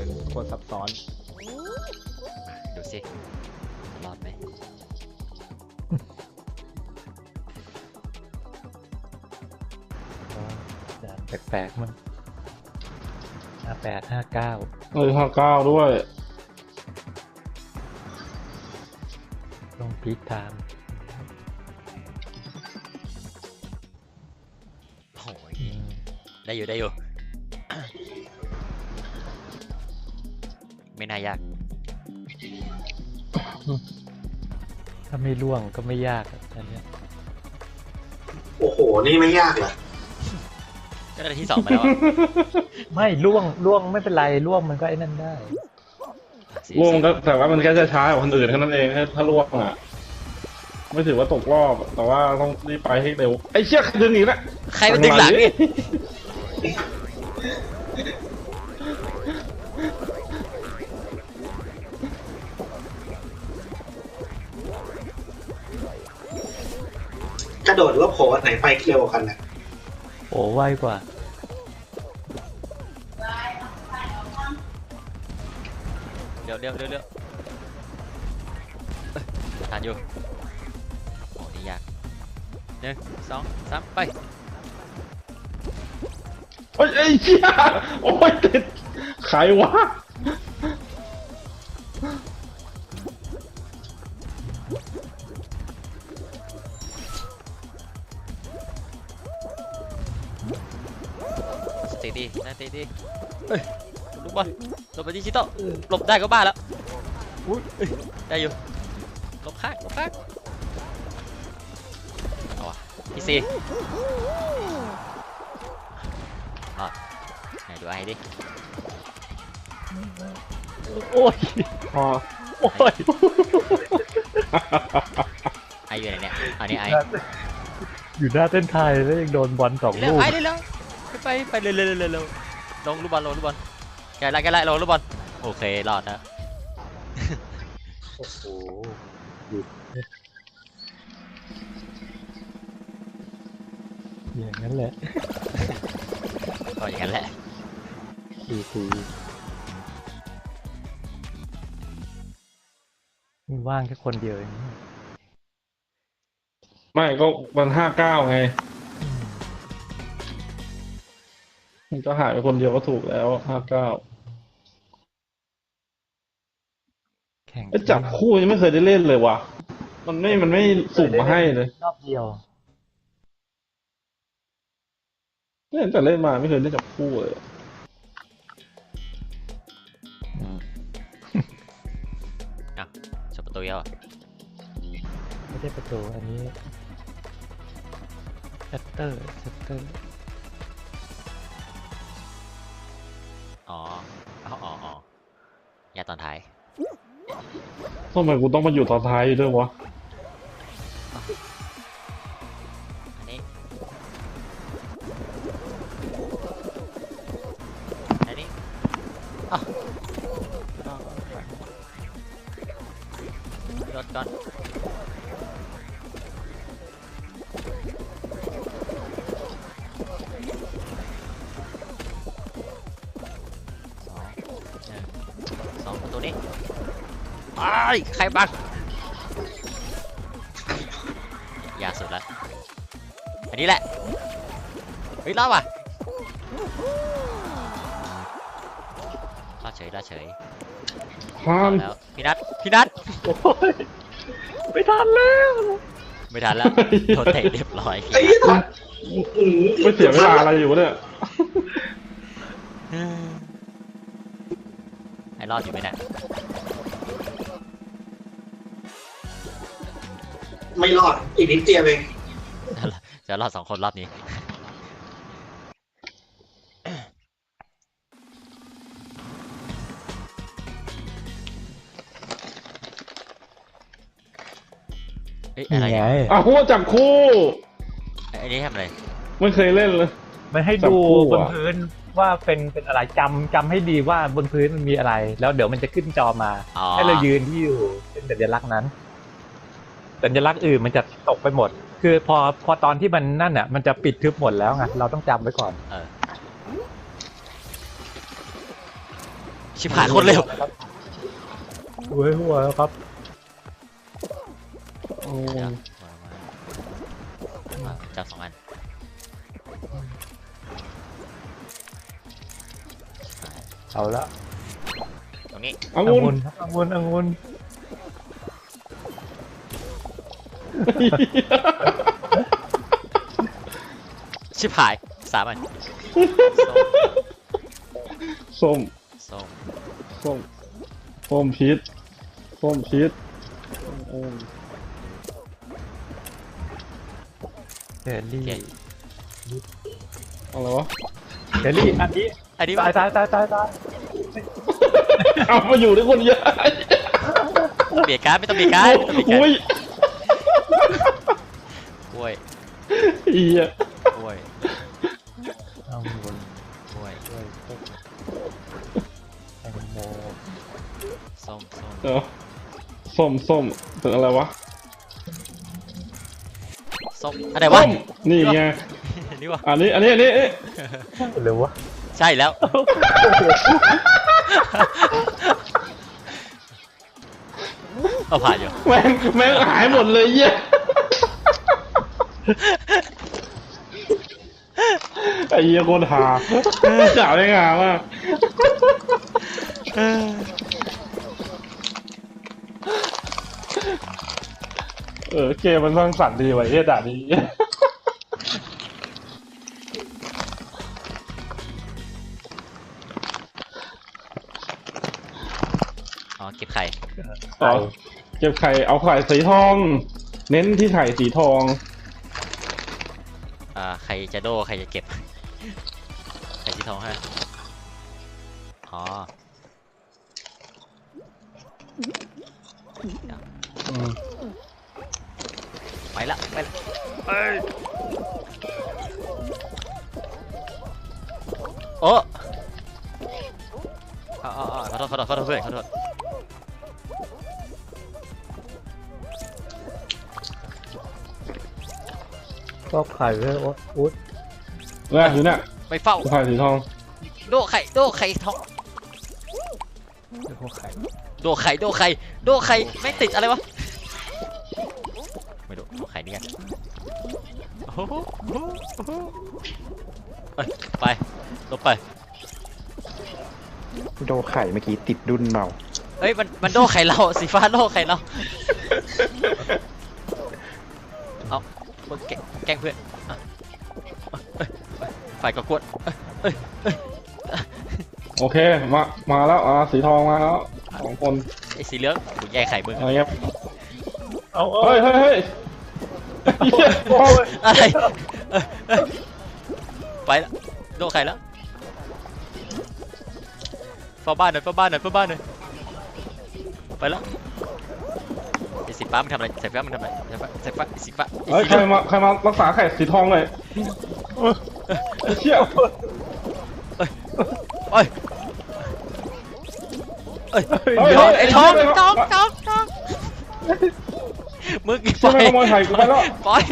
โคตรซับซ้อนดูสิรอดไหมแปลกๆมัน58 59 59ด้วยลงพีคไทม์โอ้ยได้อยู่ได้อยู่ ไม่น่ายากถ้าไม่ล่วงก็ไม่ยากอันเนี้ยโอ้โหนี่ไม่ยากเหรอก็ได้ที่ 2มาแล้วอะไม่ล่วงไม่เป็นไรล่วงมันก็ไอ้นั่นได้ล่วงก็แต่ว่ามันแค่จะช้ากว่าคนอื่นแค่นั้นเองถ้าล่วงอ่ะไม่ถือว่าตกรอบแต่ว่าต้องรีบไปให้เร็วไอ้เชี่ยดึงอีกแล้วใครมันดึงหลังนี่กระโดดหรือว่าโผล่ไหนไปเร็วกว่ากันนะโอ้ไวกว่าเร็วทันอยู่โอ้นี่ยาก1 2 3ไปโอ้ยไอ้เชี่ยโอ้ยติดใครวะสติดีนะสติดีเอ้ยลูกบอลหลบไปดิจิตอลหลบได้ก็บ้าแล้วอุ้ยได้อยู่หลบข้างเอาวะอีซีรอดไหนดูไอ้ดิโอ้ยพอโอ้ยไออยู่ไหนเนี่ยอันนี้ไออยู่หน้าเส้นไทยแล้วยังโดนบอล2 เร็ลูวกไอเร็วไปเร็วลงลูกบอลแกไล่ลงลูกบอลโอเครอดนะโอ้โหหยุดอย่างนั้นแหละก็อย่างนั้นแหละดีมันว่างแค่คนเดียวเองไม่ก็มัน59ไงมันก็หายไปคนเดียวก็ถูกแล้ว59 แข่งไอ้จับคู่ยังไม่เคยได้เล่นเลยว่ะมันไม่สุ่มมาให้เลยรอบเดียวเนี่ยแต่เล่นมาไม่เคยได้จับคู่เลยชมประตูเยอะไม่ได้ประตูอันนี้ชัตเตอร์อ๋ออย่าตอนท้ายทำไมกูต้องมาอยู่ตอนท้ายอยู่ด้วยวะอันนี้อ้าวรถก่อนสองประตูนี้ไอ้ใครบังยาสุดแล้วอันนี้แหละเฮ้ยรอดว่ะรอดเฉยข้ามแล้วพี่นัทโอ้ยไม่ทันแล้วไม่ทันแล้วโดนเตะเรียบร้อยไอ้ยี่ทันไม่เสียเวลาอะไรอยู่เนี่ยไอ้รอดอยู่ไหมเนี่ยไม่รอดอีกนิดเดียวเองจะรอด2 คนรอบนี้เอ้ยอะไรนี่ไงเนี่ยอ้าวคู่จับคู่ไอ้นี่ทำอะไรไม่เคยเล่นเลยมันให้จับดูคู่บนอะพื้นว่าเป็นอะไรจำให้ดีว่าบนพื้นมันมีอะไร แล้วเดี๋ยวมันจะขึ้นจอมาอ๋อให้เรายืนที่อยู่เป็นสัญลักษณ์นั้นสัญลักษณ์อื่นมันจะตกไปหมด คือพอตอนที่มันนั่นอ่ะมันจะปิดทึบหมดแล้วไงเราต้องจำไว้ก่อนเออชิบหายคนเร็วหัวหัวแล้วครับโอ้เดี๋ยวมาจับ2 อันชิบหายเอาละตรงนี้องุ่นองุ่นชิบหาย3 อันส้มส้มส้มส้มพีชส้มพีชโอ้เฮลี่อะไรวะเฮลี่อันนี้อันนี้ตายตายตายตายตายเอามาอยู่ด้วยคนเยอะเบียดการดไม่ต้องเบียดการดไม่ต้องเบียดการอุ้ยดกล้วยอีอะกล้วยองุ่นกล้วยด้วยแตงโมส้มเดี๋ยวส้มถึงอะไรวะส้มอะไรวะส้มนี่ไงนี่วะอันนี้เร็ววะใช่แล้วเอาผ่านอยู่แม่งหายหมดเลยเหี้ยไอ้เหี้ยโคตรหาจ่าได้งามากเกมมันสร้างสรรค์ดีไว้เหี้ยด่านี้อ๋อเก็บไข่ต่อเก็บไข่เอาไข่สีทอง เน้นที่ไข่สีทองใครจะโดใครจะเก็บไข่สีทองฮะอ๋อไปละโอ้ขอโทษเพื่อนขอโทษก็ไข่เลยอุ๊ดเนี่ยอยู่เนี่ยไปเฝ้าไข่สีทองโดไข่ทองไข่โดไข่ไม่ติดอะไรวะไม่รู้โดไข่นี่ไงโอ้โหไปลบไปโดไข่เมื่อกี้ติดดุนเมาเฮ้ยมันโดไข่เราสีฟ้าโดไข่เราเอาแกล้งเพื่อนฝ่ายก็กวนโอเคมาแล้วสีทองมาแล้ว2 คนไอ้สีเหลืองกูแย่ไข่มึงอะไรเงี้ยเอาเฮ้ยเหี้ยอะไรไปละโดไข่แล้วเฝ้าบ้านหน่อยไปแล้วไอ้สีฟ้ามันทำอะไรสีฟ้ามันทำอะไรสีฟ้าเฮ้ยใครมารักษาไข่สีทองหน่อยเชี่ยเอ้ยไอ้ทองมึงเชี่ยไม่ขโมยไข่กูไปแล้วปล่อย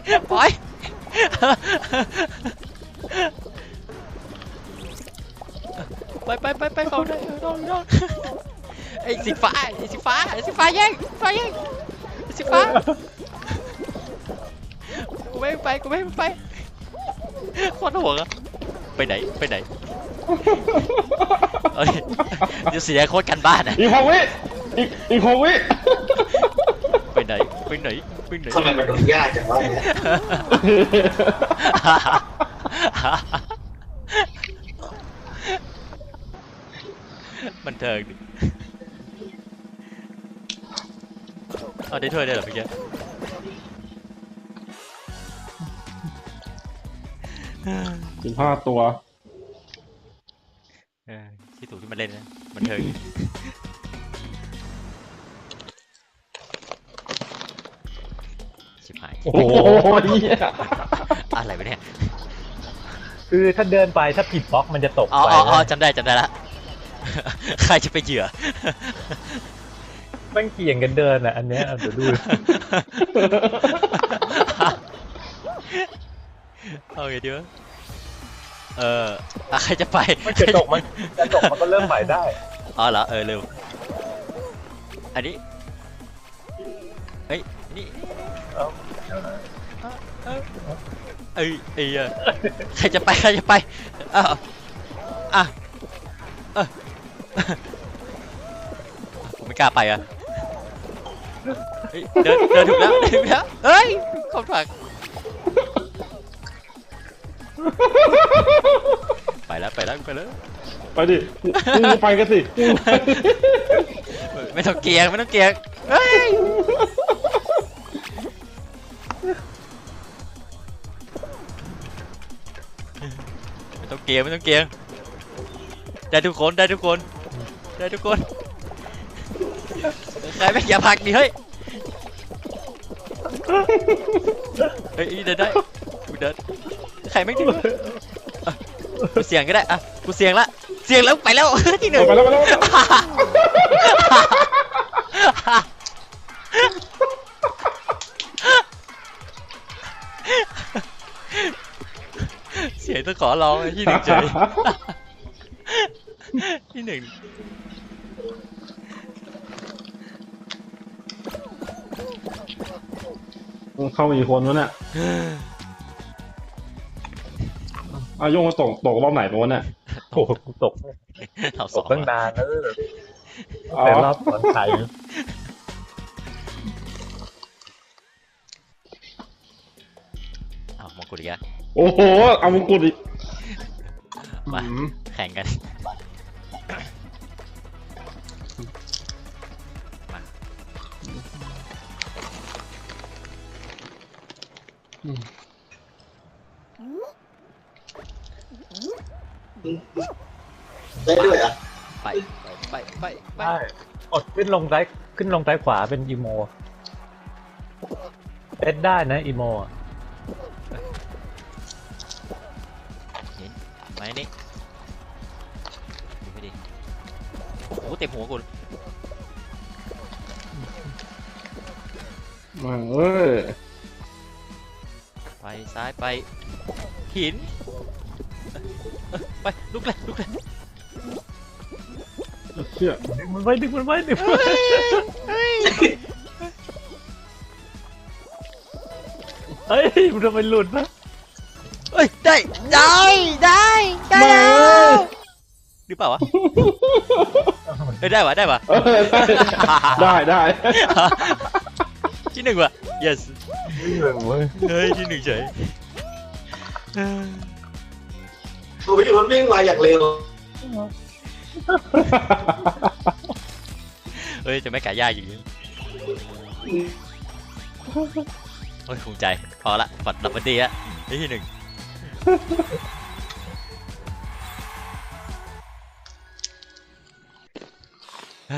ไปเขาได้นอนไอ้สีฟ้าแย่งสีฟ้ากูไม่ไปโคตรห่วงอะไปไหนเอ้ยเดี๋ยวเสียโคตรกันบ้านอะอีก6 วิอีก6 วิไปไหนทำไมมันดูยากจังวะเนี่ยบันเทิงดิเอาได้ถ้วยได้เหรอเมื่อกี้ 15 ตัวที่ถูกที่มันเล่นนะบันเทิงดิชิบหายโอ้โหอะไรไปเนี่ยคือถ้าเดินไปถ้าผิดบล็อกมันจะตกอ๋ไปอจำได้ละ ใครจะไปเหยื่อมันเกี่ยงกันเดินอ่ะอันเนี้ยเดี๋ยวดูเอาไงดีวะใครจะไปมันจะตกมันก็เริ่มใหม่ได้อ๋อเหรอลืมอันนี้เฮ้ยนี่ใครจะไปผมไม่กล้าไปอ่ะเฮ้ยเดินถูกแล้วเฮ้ยเข้าถักไปแล้วไปดิมึงไปกันสิไม่ต้องเกียงเฮ้ยไม่ต้องเกียงได้ทุกคนใครไม่อย่าพักดิเฮ้ยเดินได้กูเดินใครไม่ถึงกูเสี่ยงก็ได้อ่ะกูเสี่ยงแล้วไปแล้วที่หนึ่งไปแล้วเสียงต้องขอร้องที่หนึ่งเฉยที่หนึ่งเข้ามาอีกคนวะเนี่ยโยงมาตกรอบไหนปะวะเนี่ยโอ้กูตกตั้งนานแล้วแต่รอบตอนไทยมงกุฎอีกแล้วโอ้โหเอามงกุฎอีกมาแข่งกันได้ด้วยอ่ะไปได้กดขึ้นลงซ้ายขวาเป็นอีโมเอ็ดได้นะอีโมเห็นไหมนี่ดูไม่ดีโอ้เต็มหัวกูมาไปซ้ายไปหินไปลุกเลยเชี่ยดึงมันไว้เฮ้ยมันจะไปหลุดนะได้แล้วหรือเปล่าวะได้ปะได้ที่หนึ่งว่ะ yes เฮ้ยที่หนึ่งเฉยตัวพี่มันวิ่งมาอย่างเร็วจะไม่กะยากอย่างนี้ภูมิใจพอละปัดดับเบิลดีอะที่หนึ่ง